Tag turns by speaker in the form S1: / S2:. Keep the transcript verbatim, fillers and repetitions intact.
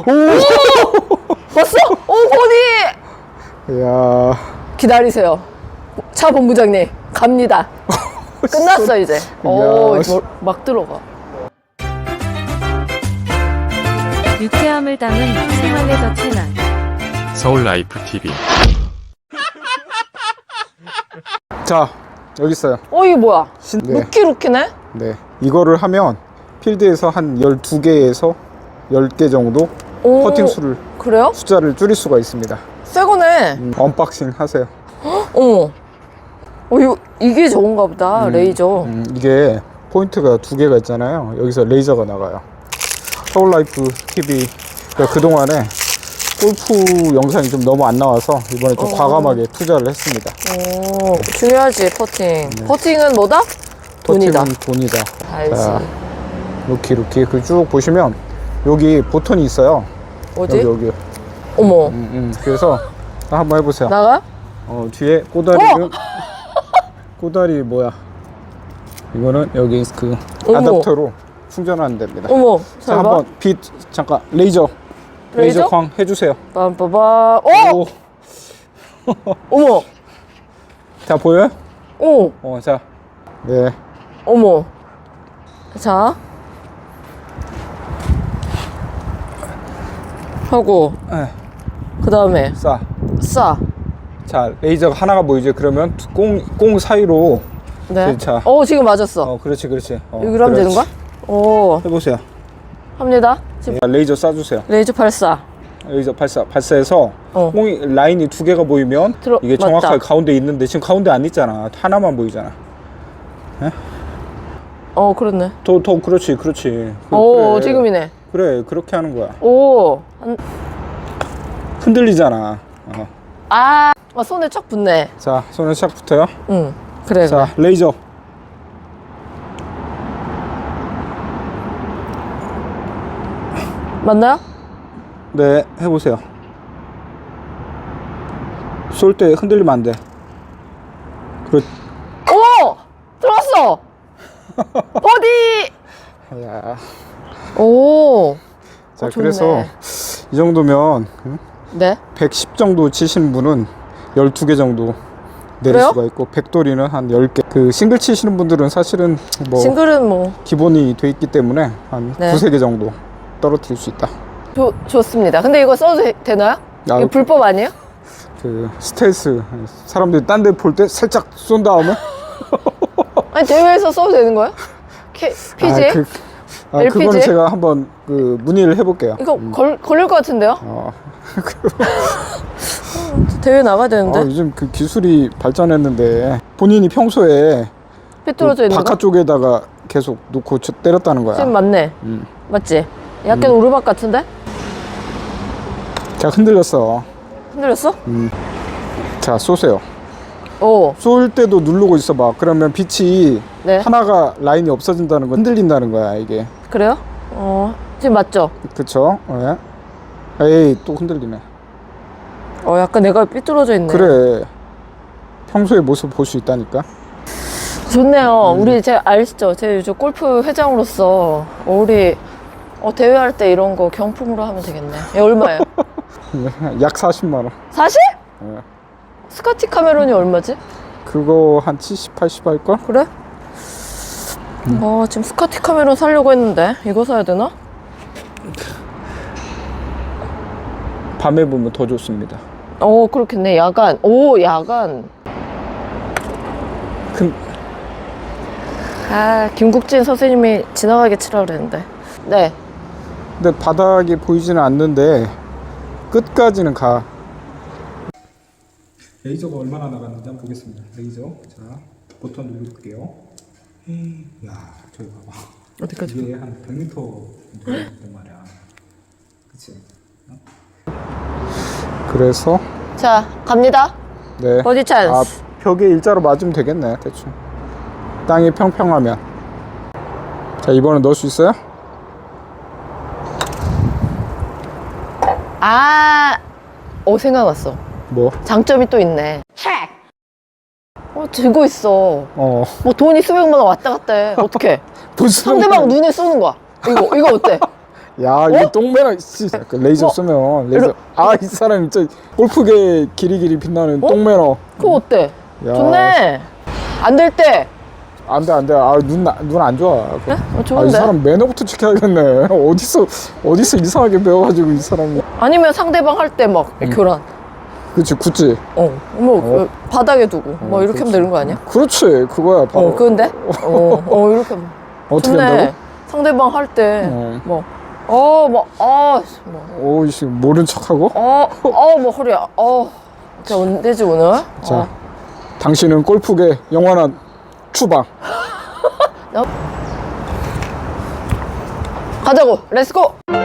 S1: 오! 봤어? 오, 버디!
S2: 이야.
S1: 기다리세요. 차 본부장님, 갑니다. 끝났어, 이제. 오,
S2: 야.
S1: 막 들어가.
S3: 유쾌함을 담은 생활레저 채널
S4: 서울 라이프 티비.
S2: 자, 여기 있어요.
S1: 어, 이게 뭐야?
S2: 신... 네.
S1: 루키루키네?
S2: 네. 이거를 하면 필드에서 한 열두 개에서 열 개 정도
S1: 오,
S2: 퍼팅 수를,
S1: 그래요?
S2: 숫자를 줄일 수가 있습니다.
S1: 새 거네.
S2: 음, 언박싱 하세요.
S1: 어머. 어, 이거, 이게 좋은가 보다,
S2: 음,
S1: 레이저.
S2: 음, 이게 포인트가 두 개가 있잖아요. 여기서 레이저가 나가요. 서울 라이프 티비가 그동안에 골프 영상이 좀 너무 안 나와서 이번에 좀
S1: 어.
S2: 과감하게 투자를 했습니다.
S1: 오, 중요하지, 퍼팅. 퍼팅은 뭐다? 돈이다.
S2: 퍼팅은 돈이다.
S1: 알지.
S2: 자, 루키 루키 그 쭉 보시면 여기 보턴이 있어요.
S1: 어디?
S2: 여기 여기.
S1: 어머.
S2: 음, 음. 그래서 한번 해보세요.
S1: 나가?
S2: 어, 뒤에 꼬다리를 꼬다리 뭐야? 이거는 여기 그
S1: 어머.
S2: 아답터로 충전하면 됩니다.
S1: 어머.
S2: 자,
S1: 잘 봐.
S2: 한번 빛 잠깐 레이저 레이저,
S1: 레이저?
S2: 광 해주세요.
S1: 빰빠바. 어!
S2: 오.
S1: 어머.
S2: 자 보여요?
S1: 오.
S2: 어, 자, 네,
S1: 어머. 자. 하고,
S2: 에,
S1: 그 다음에,
S2: 쏴.
S1: 싸.
S2: 자, 레이저가 하나가 보이죠? 그러면 꽁, 꽁 사이로.
S1: 네.
S2: 자.
S1: 어, 지금 맞았어.
S2: 어, 그렇지, 그렇지. 어,
S1: 여기로 하면 되는
S2: 그렇지.
S1: 거야? 오.
S2: 해보세요.
S1: 합니다. 지금
S2: 자, 레이저 쏴주세요.
S1: 레이저 발사.
S2: 레이저 발사, 발사해서
S1: 어.
S2: 꽁이 라인이 두 개가 보이면
S1: 들어-
S2: 이게
S1: 맞다.
S2: 정확하게 가운데 있는데 지금 가운데 안 있잖아. 하나만 보이잖아.
S1: 어, 그렇네.
S2: 더, 더, 그렇지, 그렇지. 그,
S1: 오,
S2: 그래.
S1: 지금이네.
S2: 그래, 그렇게 하는 거야.
S1: 오. 한,
S2: 흔들리잖아. 어.
S1: 아, 아, 손에 쫙 붙네.
S2: 자, 손에 샥 붙어요.
S1: 응. 그래,
S2: 자,
S1: 그래.
S2: 레이저.
S1: 맞나요?
S2: 네, 해보세요. 쏠 때 흔들리면 안 돼. 그렇.
S1: 오! 들어왔어! 버디!
S2: 야.
S1: 오.
S2: 자,
S1: 어, 좋네.
S2: 그래서 이 정도면 응?
S1: 네.
S2: 백십 정도 치시는 분은 열두 개 정도 내릴
S1: 그래요?
S2: 수가 있고, 백돌이는 한 열 개. 그 싱글 치시는 분들은 사실은 뭐
S1: 싱글은 뭐
S2: 기본이 돼 있기 때문에 한
S1: 네.
S2: 두세 개 정도 떨어뜨릴 수 있다.
S1: 좋, 좋습니다. 근데 이거 써도 되, 되나요?
S2: 아,
S1: 이거 불법 아니에요?
S2: 그 스텔스 사람들이 딴 데 볼 때 살짝 쏜 다음에
S1: 아니 대회에서 써도 되는 거예요? K, 피지에이?
S2: 아, 그, 아,
S1: 엘피지에이?
S2: 그거는 제가 한번 그 문의를 해볼게요.
S1: 이거 걸, 걸릴 것 같은데요?
S2: 어.
S1: 대회 나가야 되는데?
S2: 아, 요즘 그 기술이 발전했는데 본인이 평소에
S1: 삐뚤어져
S2: 그
S1: 있는 거?
S2: 바깥쪽에다가 계속 놓고 쳐- 때렸다는 거야.
S1: 지금 맞네.
S2: 음.
S1: 맞지? 약간 오르막 같은데?
S2: 자, 흔들렸어.
S1: 흔들렸어?
S2: 자, 쏘세요.
S1: 오.
S2: 쏠 때도 누르고 있어봐. 그러면 빛이
S1: 네.
S2: 하나가 라인이 없어진다는 거, 흔들린다는 거야 이게.
S1: 그래요? 어. 지금 맞죠?
S2: 그쵸? 네. 에이, 또 흔들리네.
S1: 어, 약간 내가 삐뚤어져 있네.
S2: 그래. 평소의 모습 볼 수 있다니까.
S1: 좋네요. 우리 제 아시죠? 제 요즘 골프 회장으로서 어, 우리 어, 대회할 때 이런 거 경품으로 하면 되겠네. 얘 얼마예요?
S2: 약 사십만 원.
S1: 사실?
S2: 네.
S1: 스카티 카메론이 얼마지?
S2: 그거 한 칠십, 팔십 할걸?
S1: 그래? 어, 지금 스카티 카메론 사려고 했는데 이거 사야 되나?
S2: 밤에 보면 더 좋습니다.
S1: 어, 그렇겠네. 야간. 오, 야간.
S2: 큰,
S1: 아, 김국진 선생님이 지나가게 치라 그랬는데. 네.
S2: 근데 바닥이 보이지는 않는데 끝까지는 가. 레이저가 얼마나 나갔는지 한번 보겠습니다. 레이저. 자, 버튼 누를게요. 야, 저기 봐봐.
S1: 어디까지?
S2: 이게 한 백 미터 정도 된단 말이야. 그치? 어? 그래서
S1: 자, 갑니다.
S2: 네.
S1: 버디 찬스.
S2: 아, 벽에 일자로 맞으면 되겠네, 대충. 땅이 평평하면. 자, 이번엔 넣을 수 있어요?
S1: 아, 어, 생각났어.
S2: 뭐?
S1: 장점이 또 있네. 어, 들고 있어.
S2: 어.
S1: 뭐 돈이 수백만 원 왔다 갔다 해. 어떡해.
S2: 무슨
S1: 상대방 눈에 쏘는 거야. 이거, 이거 어때?
S2: 야, 이거 똥매나, 씨. 그 레이저
S1: 뭐,
S2: 쓰면, 레이저.
S1: 이러-
S2: 아, 이 사람 진짜 골프계 길이길이 빛나는 똥매너.
S1: 그거 어때?
S2: 야.
S1: 좋네. 안 될 때.
S2: 안 돼, 안 돼. 아, 눈, 눈 안 좋아.
S1: 그래? 어,
S2: 아, 이
S1: 좋은데?
S2: 사람 매너부터 지켜야겠네. 어디서, 어디서 이상하게 배워가지고, 이 사람이.
S1: 아니면 상대방 할 때 막
S2: 음.
S1: 교란.
S2: 그치, 굳이.
S1: 어, 뭐
S2: 어.
S1: 그 바닥에 두고 뭐 이렇게 하면 되는 거 아니야?
S2: 그렇지, 그거야. 바로.
S1: 어, 그건데? 어, 어 이렇게 하면.
S2: 어떻게
S1: 좋네.
S2: 한다고?
S1: 상대방 할 때
S2: 어.
S1: 뭐, 어, 뭐, 아, 씨, 뭐,
S2: 오이씨, 모른 척하고?
S1: 어, 어, 뭐 허리야, 어, 자, 언제지 오늘?
S2: 자,
S1: 어.
S2: 당신은 골프계 영원한 추방.
S1: 가자고, 렛츠고.